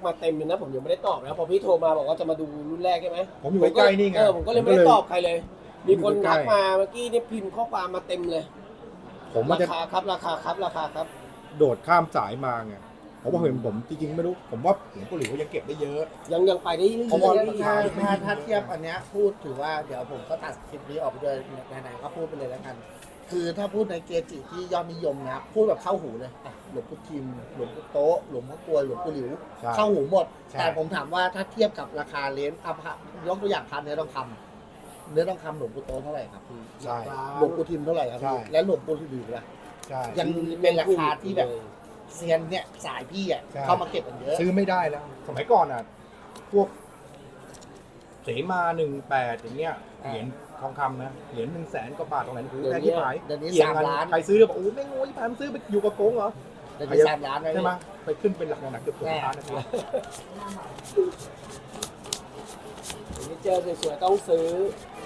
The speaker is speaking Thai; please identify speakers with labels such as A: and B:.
A: มาเต็มเลยนะผมยังไม่ได้ตอบนะพอพี่โทรมาบอกว่าจะมาดูรุ่นแรกใช่ไหม
B: ผมอยู่ใกล้ๆนี่ไง
A: ผมก็เลยไม่ได้ตอบใครเลย มีคน
B: อยู่ใกล้
A: ทักมาเมื่อกี้นี่พิมพ์ข้อความมาเต็มเลย
B: ผมว่า
A: รา
B: จะ
A: คาครับราคาครับราคาครับ
B: โดดข้ามสายมาไงเพราะว่าเห็นผมจริงๆไม่รู้ผมว่าหลวงปู่หลิวเขายังเก็บได้เยอะ
A: ยังไปได้เรื่อย
B: เพราะว่า
A: ๆ
C: ถ้าเทียบอันเนี้ยพูดถือว่าเดี๋ยวผมก็ตัดคลิปนี้ออกไปด้วยไหนๆก็พูดไปเลยแล้วกัน คือถ้าพูดในเกจิที่ยอดนิยมนะพูดแบบเข้าหูเลยอ่ะหลวงปู่ทิมหลวงปู่โต๊ะหลวงพ่อกลวยหลวงปู่หลิว
B: ใช่
C: เข้าหูหมด
B: ใช่
C: แต่ผมถามว่าถ้าเทียบกับราคาเลนส์ยกตัวอย่างพันเนื้อทองคำเนื้อทองคำหลวงปู่โต๊ะเท่าไหร่ครับพี่
B: ใช่
C: หลวงปู่ทิมเท่าไหร่ครับ
B: ใช่
C: พี่และหลวงปู่หลิวล่ะ
B: ใช่
C: ยังเป็นราคาที่แบบเซียนเนี่ยสายพี่อ่ะ
B: ใช่
C: เข้ามาเก็บกันเยอะ
B: ซื้อไม่ได้แล้ว สมัยก่อนอ่ะ พวกเสมา18อย่างเงี้ยเหรียญทองคำนะเหรียญ100,000 กว่าบาทตรงไหนโอ้โหแพงที่หาย
C: เดี๋ยวนี้
B: เกี่ยง
C: 3
B: กัน
C: ล้าน
B: ใครซื้อแล้วบอกโอ้ไม่งโง่ที่ผ่านซื้อไปอยู่กับโกงเหรอ
C: เดี๋ยวนี้3 ล้าน
B: ใช่ไหมไปขึ้นเป็นหลักหนักเกือบล้านนะพี่
A: ไม่เจอสวยๆต้องซื้อ